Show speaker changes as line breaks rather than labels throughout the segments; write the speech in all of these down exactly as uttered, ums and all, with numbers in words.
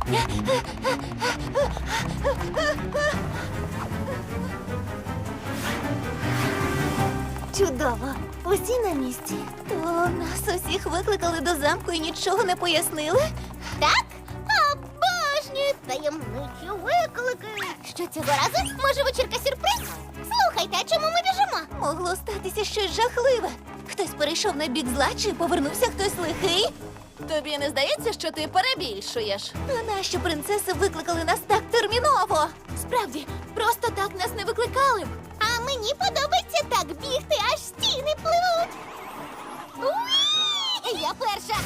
Чудово. Усі на місці. То нас усіх викликали до замку і нічого не пояснили?
Так? Обожнюю таємничі виклики. Що цього разу? Може, вечірка сюрприз? Слухайте, а чому ми біжимо?
Могло статися щось жахливе. Хтось перейшов на бік зла чи повернувся хтось лихий?
Тобі не здається, що ти перебільшуєш?
А нащо принцеси викликали нас так терміново?
Справді, просто так нас не викликали б.
А мені подобається так бігти, аж стіни пливуть. Уі! Я перша.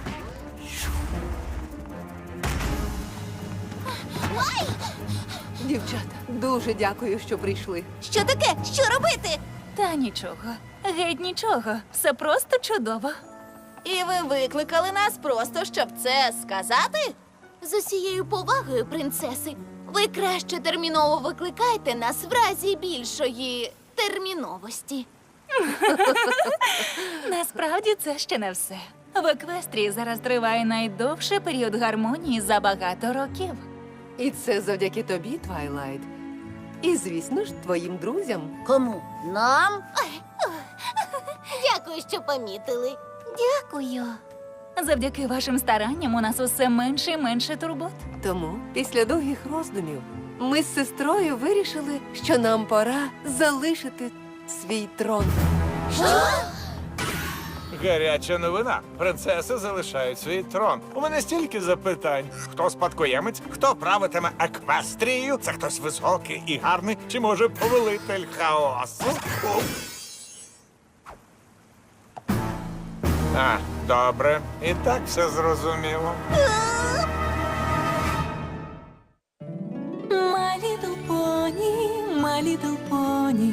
Ой!
Дівчата, дуже дякую, що прийшли.
Що таке? Що робити?
Та нічого, геть нічого. Все просто чудово.
І ви викликали нас просто, щоб це сказати? З усією повагою, принцеси, ви краще терміново викликайте нас в разі більшої терміновості.
Насправді це ще не все. В Еквестрії зараз триває найдовший період гармонії за багато років.
І це завдяки тобі, Твайлайт. І, звісно ж, твоїм друзям.
Кому? Нам? Дякую, що помітили.
Дякую.
Завдяки вашим старанням у нас усе менше і менше турбот.
Тому, після довгих роздумів, ми з сестрою вирішили, що нам пора залишити свій трон.
Гаряча новина. Принцеси залишають свій трон. У мене стільки запитань. Хто спадкоємець? Хто правитиме Еквестрією? Це хтось високий і гарний? Чи може повелитель хаосу? А, добре. І так все зрозуміло.
My little pony, my little pony.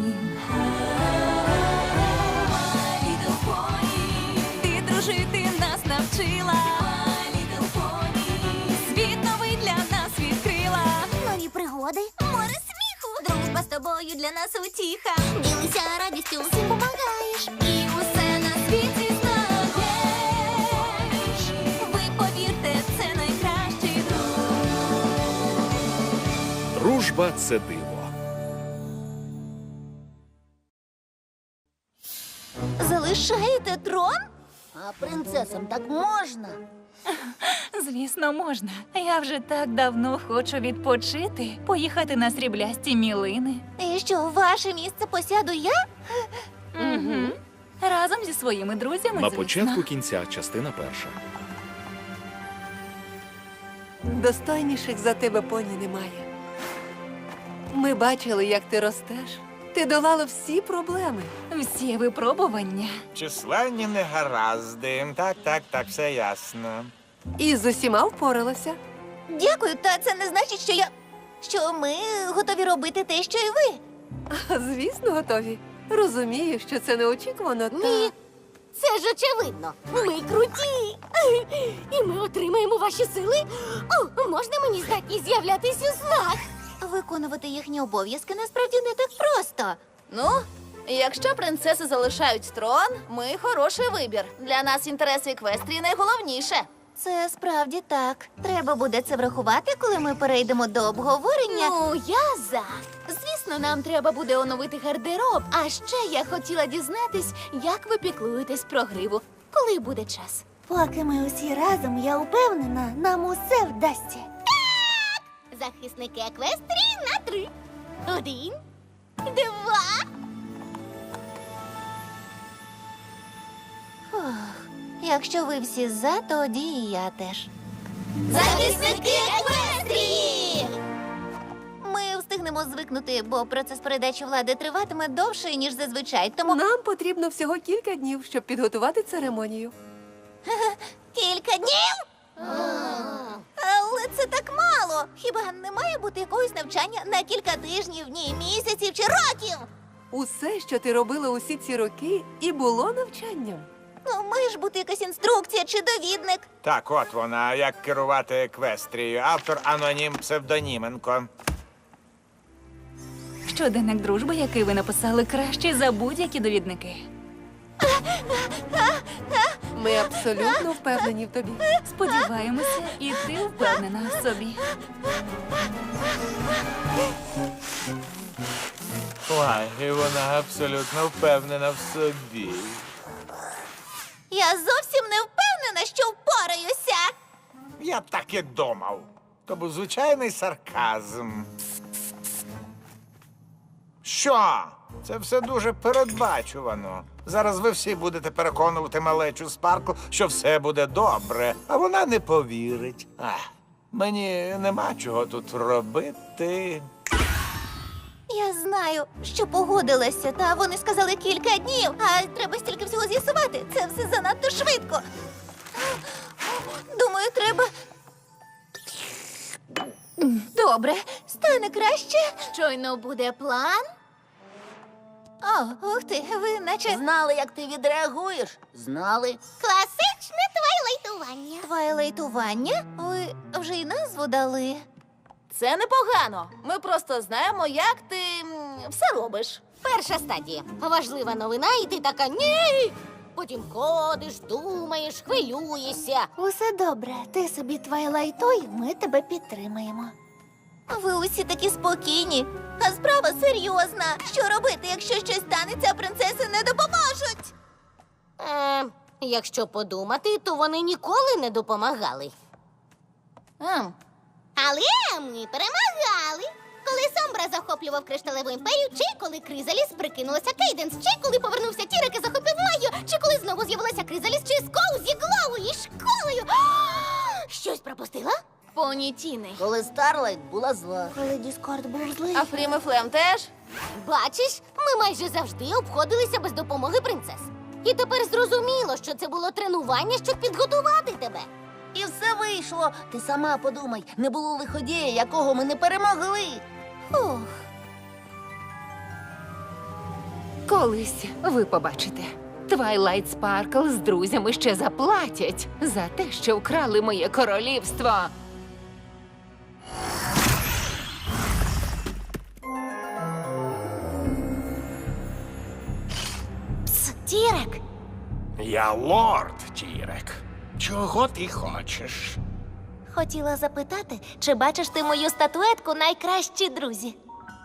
My little pony. Ти дружити нас навчила. My little pony. Світ новий для нас відкрила.
Нові пригоди, море сміху. Дружба з тобою для нас утіха. Ділися радістю, всім помагаєш.
І усе на світі знаєш. Ви повірте, це найкращий друг.
Дружба – це диво.
Залишаєте трон?
А принцесам так можна?
Звісно, можна. Я вже так давно хочу відпочити, поїхати на сріблясті мілини.
І що, ваше місце посяду я?
Угу. Разом зі своїми друзями,
На
звісно.
початку кінця, частина перша.
Достойніших за тебе поні немає. Ми бачили, як ти ростеш. Ти долала всі проблеми.
Всі випробування.
Численні негаразди. Так, так, так, все ясно.
І з усіма впоралася.
Дякую, та це не значить, що я. Що ми готові робити те, що і ви.
А, звісно, готові. Розумію, що це неочікувано, та...
Ні. Це ж очевидно. Ми круті. І ми отримаємо ваші сили. О, можна мені здатність з'являтись у снах?
Виконувати їхні обов'язки насправді не так просто.
Ну, якщо принцеси залишають трон, ми хороший вибір. Для нас інтереси Еквестрії найголовніше.
Це справді так. Треба буде це врахувати, коли ми перейдемо до обговорення.
Ну, я за. Звісно, нам треба буде оновити гардероб. А ще я хотіла дізнатись, як ви піклуєтесь про гриву, коли буде час.
Поки ми усі разом, я впевнена, нам усе вдасться.
Захисники Еквестрії на три. Один, два.
Фух. Якщо ви всі за, тоді і я теж.
Захисники Еквестрії!
Ми встигнемо звикнути, бо процес передачі влади триватиме довше, ніж зазвичай. Тому
Нам потрібно всього кілька днів, щоб підготувати церемонію.
кілька днів? Але це так мало. Хіба не має бути якогось навчання на кілька тижнів, ні, місяців чи років?
Усе, що ти робила усі ці роки, і було навчанням.
Ну, має ж бути якась інструкція чи довідник.
Так, от вона, як керувати Еквестрією. Автор анонім Псевдоніменко.
Щоденник дружби, який ви написали, кращий за будь-які довідники.
Ми абсолютно впевнені в тобі.
Сподіваємося, і ти впевнена в собі.
Ой, вона абсолютно впевнена в собі.
Я зовсім не впевнена, що впораюся.
Я так і думав. То був звичайний сарказм. Що? Це все дуже передбачувано. Зараз ви всі будете переконувати малечу Спаркл, що все буде добре, а вона не повірить. Ах, мені нема чого тут робити.
Я знаю, що погодилася, та вони сказали кілька днів, а треба стільки всього з'ясувати. Це все занадто швидко. Думаю, треба. Добре, стане краще.
Щойно буде план.
О, ух ти, ви наче
Знали, як ти відреагуєш? Знали. Класичне твайлайтування.
твайлайтування? Ви вже й назву дали.
Це непогано. Ми просто знаємо, як ти м, все робиш.
Перша стадія. Важлива новина, і ти така ні. Потім ходиш, думаєш, хвилюєшся.
Усе добре, ти собі твайлайтуй, ми тебе підтримаємо. Ви усі такі спокійні, а справа серйозна. Що робити, якщо щось станеться, а принцеси не допоможуть?
Е, якщо подумати, то вони ніколи не допомагали.
Ем,
Але ми перемагали. Коли Сомбра захоплював кришталеву імперію, чи коли Кризаліс прикинулася Кейденс, чи коли повернувся Тірек і захопив Майю, чи коли знову з'явилася Кризаліс, чи Скоу зі Глоу і школою. А! Щось пропустила?
поні Тіни.
Коли Старлайт була зла.
Коли Діскорд був злий.
А Фрім і Флем теж?
Бачиш, ми майже завжди обходилися без допомоги принцес. І тепер зрозуміло, що це було тренування, щоб підготувати тебе. І все вийшло. Ти сама подумай, не було лиходія, якого ми не перемогли.
Ух.
Колись ви побачите. Твайлайт Спаркл з друзями ще заплатять за те, що вкрали моє королівство.
Пс, Тірек.
Я лорд Тірек. Чого ти хочеш?
Хотіла запитати, чи бачиш ти мою статуетку найкращі друзі?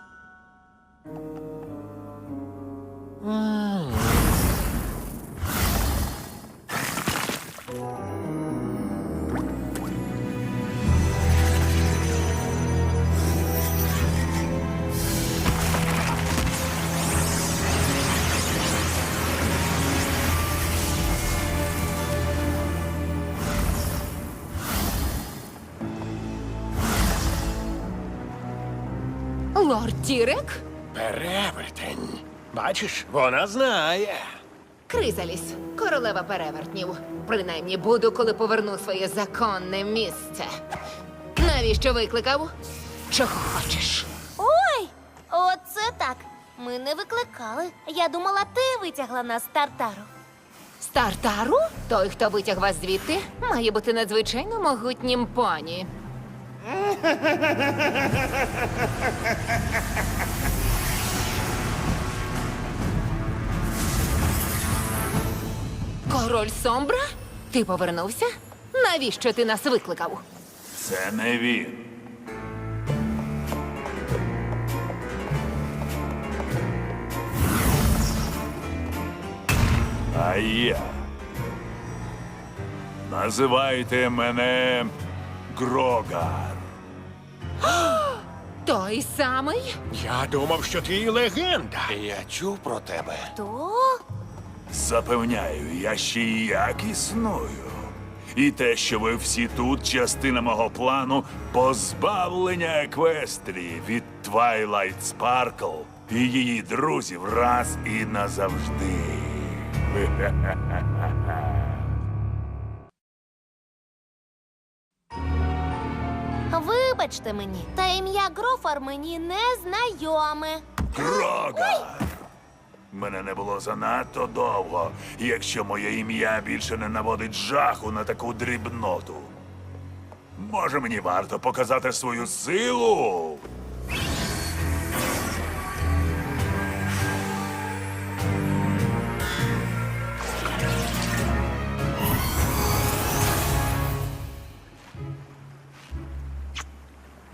Лорд Тірек?
Перевертень. Бачиш, вона знає.
Кризаліс, королева перевертнів. Принаймні буду, коли поверну своє законне місце. Навіщо викликав? Чого хочеш?
Ой, оце так. Ми не викликали. Я думала, ти витягла нас з Тартару.
З Тартару? Той, хто витяг вас звідти, має бути надзвичайно могутнім поні. Король Сомбра? Ти повернувся? Навіщо ти нас викликав?
Це не він. А я. Називайте мене Грогар.
Той самий?
Я думав, що ти легенда. Я чув про тебе.
То?
Запевняю, я ще й як існую. І те, що ви всі тут, частина мого плану позбавлення Еквестрії від Твайлайт Спаркл і її друзів раз і назавжди.
Вибачте мені, та ім'я Грофар мені не знайоме.
Грогар! Мене не було занадто довго, якщо моє ім'я більше не наводить жаху на таку дрібноту. Може, мені варто показати свою силу?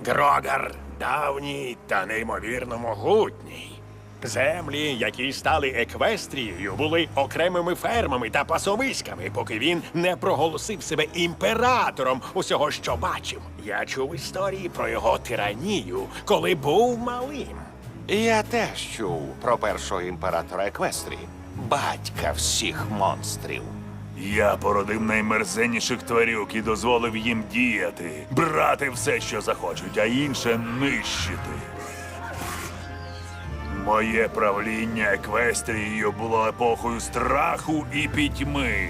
Дрогар давній та неймовірно могутній. Землі, які стали Еквестрією, були окремими фермами та пасовиськами, поки він не проголосив себе імператором усього, що бачив. Я чув історії про його тиранію, коли був малим.
Я теж чув про першого імператора Еквестрії, батька всіх монстрів.
Я породив наймерзенніших тварюк і дозволив їм діяти, брати все, що захочуть, а інше нищити. Моє правління Еквестрією було епохою страху і пітьми.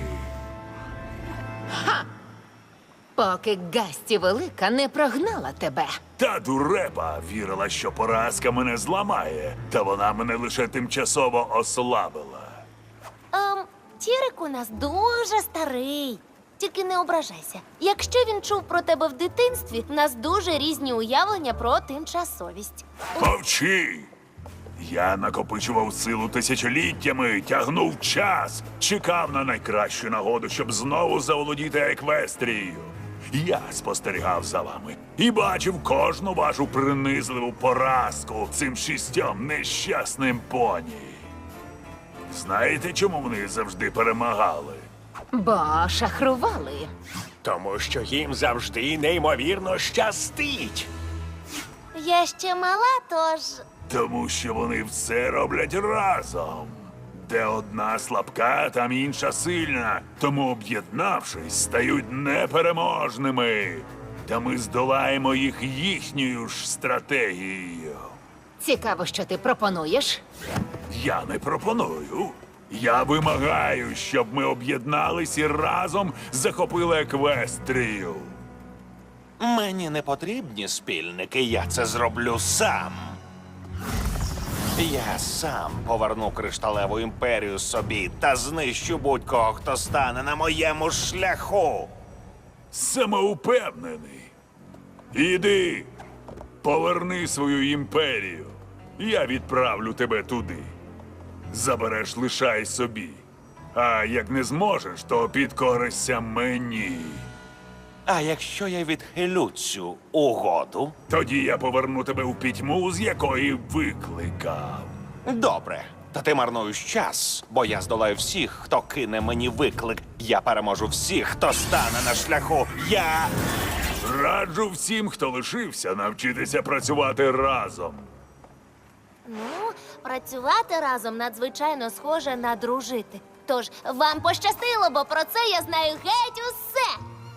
Поки Гасті Велика не прогнала тебе.
Та дурепа вірила, що поразка мене зламає, та вона мене лише тимчасово ослабила.
Ем, Тірик у нас дуже старий. Тільки не ображайся. Якщо він чув про тебе в дитинстві, в нас дуже різні уявлення про тимчасовість.
Мовчи! Я накопичував силу тисячоліттями, тягнув час, чекав на найкращу нагоду, щоб знову заволодіти Еквестрією. Я спостерігав за вами і бачив кожну вашу принизливу поразку цим шістьом нещасним поні. Знаєте, чому вони завжди перемагали?
Бо шахрували.
Тому що їм завжди неймовірно щастить.
Я ще мала, тож.
Тому що вони все роблять разом. Де одна слабка, там інша сильна. Тому, об'єднавшись, стають непереможними. Та ми здолаємо їх їхньою ж стратегією.
Цікаво, що ти пропонуєш.
Я не пропоную. Я вимагаю, щоб ми об'єднались і разом захопили Еквестрію.
Мені не потрібні спільники, я це зроблю сам. Я сам поверну кришталеву імперію собі та знищу будь-кого, хто стане на моєму шляху.
Самоупевнений. Іди, поверни свою імперію. Я відправлю тебе туди. Забереш, лишай собі. А як не зможеш, то підкоришся мені.
А якщо я відхилю цю угоду?
Тоді я поверну тебе у пітьму, з якої викликав.
Добре. Та ти марнуєш час, бо я здолаю всіх, хто кине мені виклик. Я переможу всіх, хто стане на шляху. Я...
Раджу всім, хто лишився, навчитися працювати разом.
Ну, працювати разом надзвичайно схоже на дружити. Тож вам пощастило, бо про це я знаю геть усе.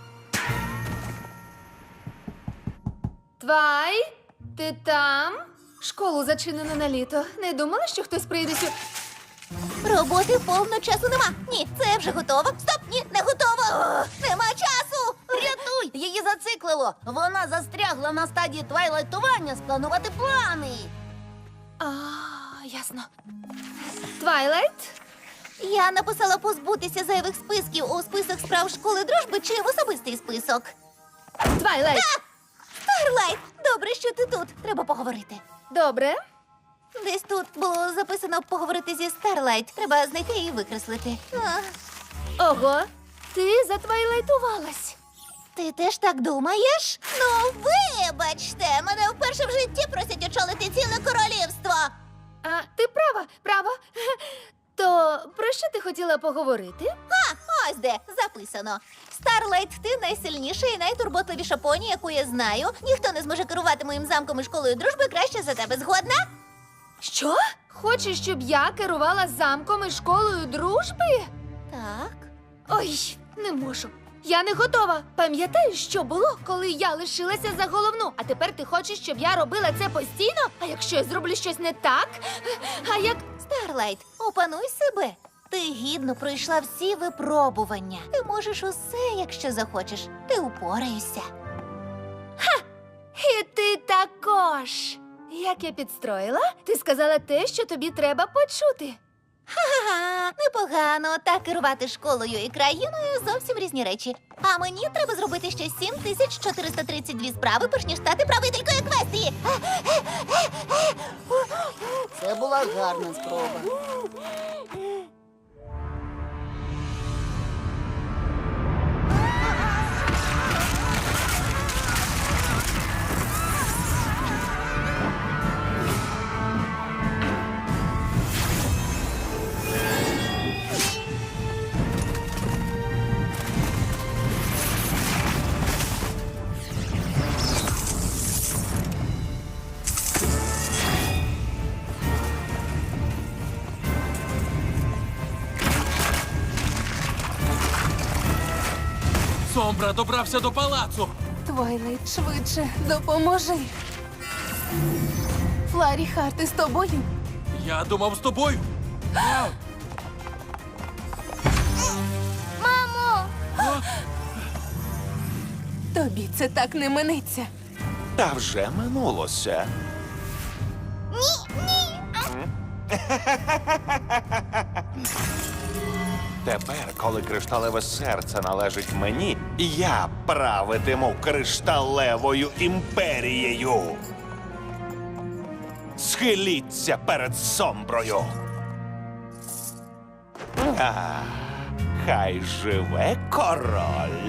Твай, ти там? Школу зачинено на літо. Не думала, що хтось прийде сюди?
Роботи повно часу нема. Ні, це вже готово. Стоп, ні, не готово. О, нема часу.
Рятуй! Її зациклило! Вона застрягла на стадії твайлайтування спланувати плани.
А, ясно. Твайлайт?
Я написала позбутися зайвих списків у список справ школи дружби чи в особистий список.
Твайлайт.
Старлайт, добре, що ти тут. Треба поговорити.
Добре.
Десь тут було записано поговорити зі Старлайт. Треба знайти і викреслити. А,
Ого, ти затвайлайтувалась.
ти теж так думаєш? Ну, вибачте, мене вперше в житті просять очолити ціле королівство.
А, ти права, права. То про що ти хотіла поговорити?
А, ось де, записано. Старлайт, ти найсильніша і найтурботливіша поні, яку я знаю. Ніхто не зможе керувати моїм замком і школою дружби краще за тебе. Згодна?
Що? Хочеш, щоб я керувала замком і школою дружби?
Так.
Ой, не можу. Я не готова. Пам'ятаєш, що було, коли я лишилася за головну? А тепер ти хочеш, щоб я робила це постійно? А якщо я зроблю щось не так? А як...
Старлайт, опануй себе. Ти гідно пройшла всі випробування. Ти можеш усе, якщо захочеш. Ти упораєшся.
І ти також. Як я підстроїла? Ти сказала те, що тобі треба почути.
Ха-ха, непогано. Та керувати школою і країною зовсім різні речі. А мені треба зробити ще сім тисяч чотириста тридцять дві справи, перш ніж стати правителькою Еквестрії.
Це була гарна спроба.
Сомбра добрався до палацу.
Твайлайт, швидше, допоможи. Фларі Харти з тобою?
Я думав з тобою.
Мамо!
Тобі це так не минеться.
Та вже минулося.
Ні, ні!
Тепер, коли кришталеве серце належить мені, я правитиму кришталевою імперією. Схиліться перед Сомброю. А, хай живе король.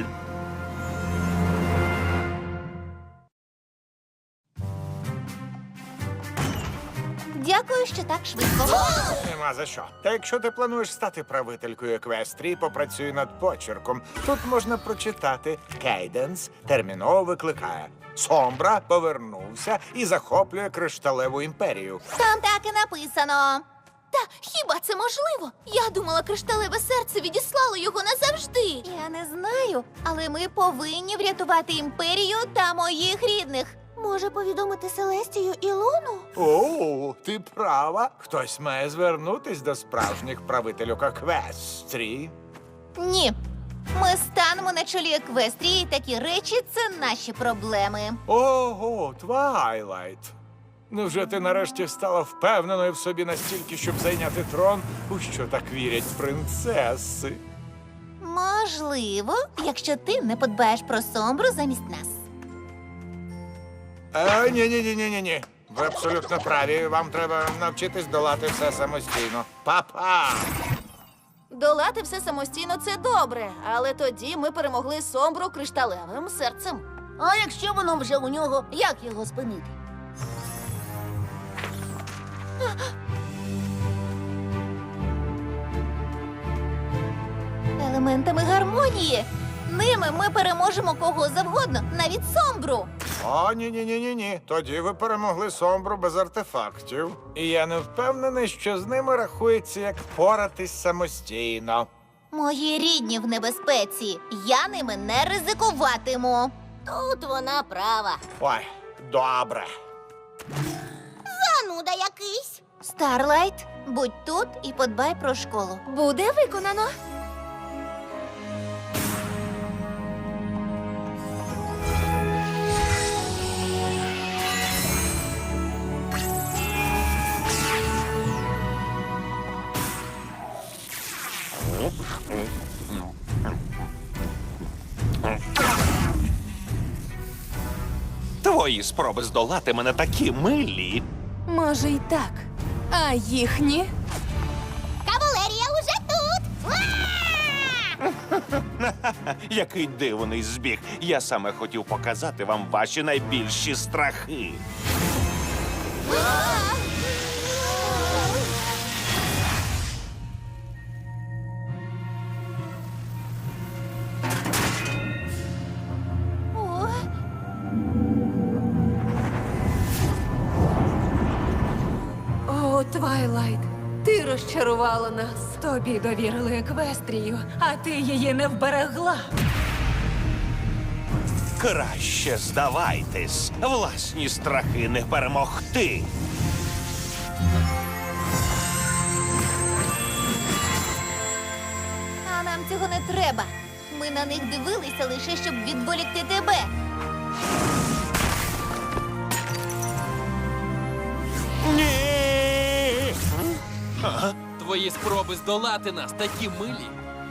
Дякую, що так швидко.
Нема за що. Та якщо ти плануєш стати правителькою Еквестрії, попрацюй над почерком. Тут можна прочитати Кейденс терміново викликає. Сомбра повернувся і захоплює кришталеву імперію.
Там так і написано.
Та хіба це можливо? Я думала, кришталеве серце відіслало його назавжди.
Я не знаю, але ми повинні врятувати імперію та моїх рідних. Може, повідомити Селестію і Луну?
О, ти права. Хтось має звернутись до справжніх правителів Еквестрії.
Ні. Ми станемо на чолі Еквестрії, і такі речі це наші проблеми.
Ого, Твайлайт. Невже ти нарешті стала впевненою в собі настільки, щоб зайняти трон, у що так вірять принцеси?
Можливо, якщо ти не подбаєш про Сомбру замість нас.
Е, ні, ні, ні, ні, ні, ні. Ви абсолютно праві. Вам треба навчитись долати все самостійно. Па-па!
Долати все самостійно це добре, але тоді ми перемогли Сомбру кришталевим серцем. А якщо воно вже у нього, як його спинити?
Елементами гармонії. Ними ми переможемо кого завгодно, навіть Сомбру.
О, ні, ні, ні, ні, ні. Тоді ви перемогли Сомбру без артефактів. І я не впевнений, що з ними рахується як поратись самостійно.
Мої рідні в небезпеці. Я ними не ризикуватиму.
Тут вона права.
Ой, добре.
Зануда якийсь.
Старлайт, будь тут і подбай про школу.
Буде виконано.
Твої спроби здолати мене такі милі.
Може, й так. А їхні?
Кавалерія уже тут. Уа!
Який дивний збіг. Я саме хотів показати вам ваші найбільші страхи.
О,
О, Твайлайт, ти розчарувала нас. Тобі довірили Еквестрію, а ти її не вберегла.
Краще здавайтесь. Власні страхи не перемогти.
а нам цього не треба. Ми на них дивилися лише, щоб відволікти тебе.
Ні!
Твої спроби здолати нас такі милі.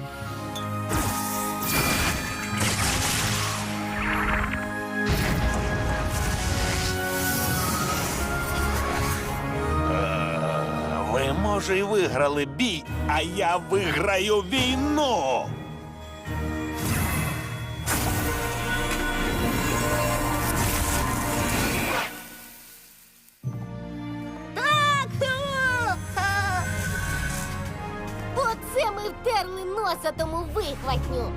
Ви, може, й виграли бій, а я виграю війну.
Так! Ха! Оце ми втерли носа тому вихватню.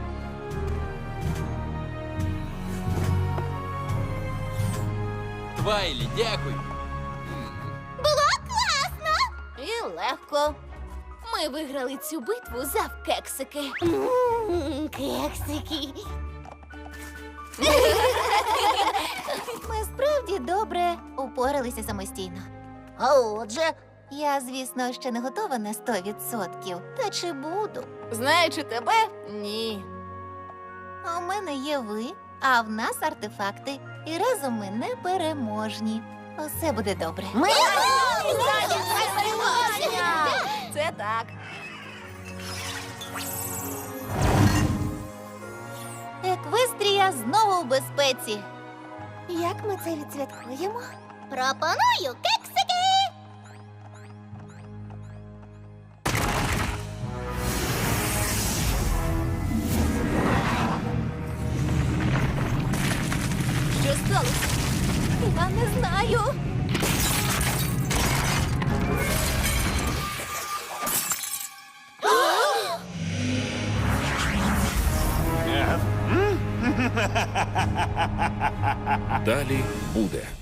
Твайлі, дякую.
Було класно!
І легко. Ми виграли цю битву завкексики.
М, Кексики.
Ми справді добре упоралися самостійно. А отже, я, звісно, ще не готова на сто відсотків. Та чи буду?
Знаючи тебе, ні.
А у мене є ви, а в нас артефакти. І разом ми непереможні. Усе буде добре. Ми
Це так.
Еквестрія знову у безпеці. Як ми це відсвяткуємо?
Пропоную кексики!
Що сталося?
Я не знаю.
Далі буде.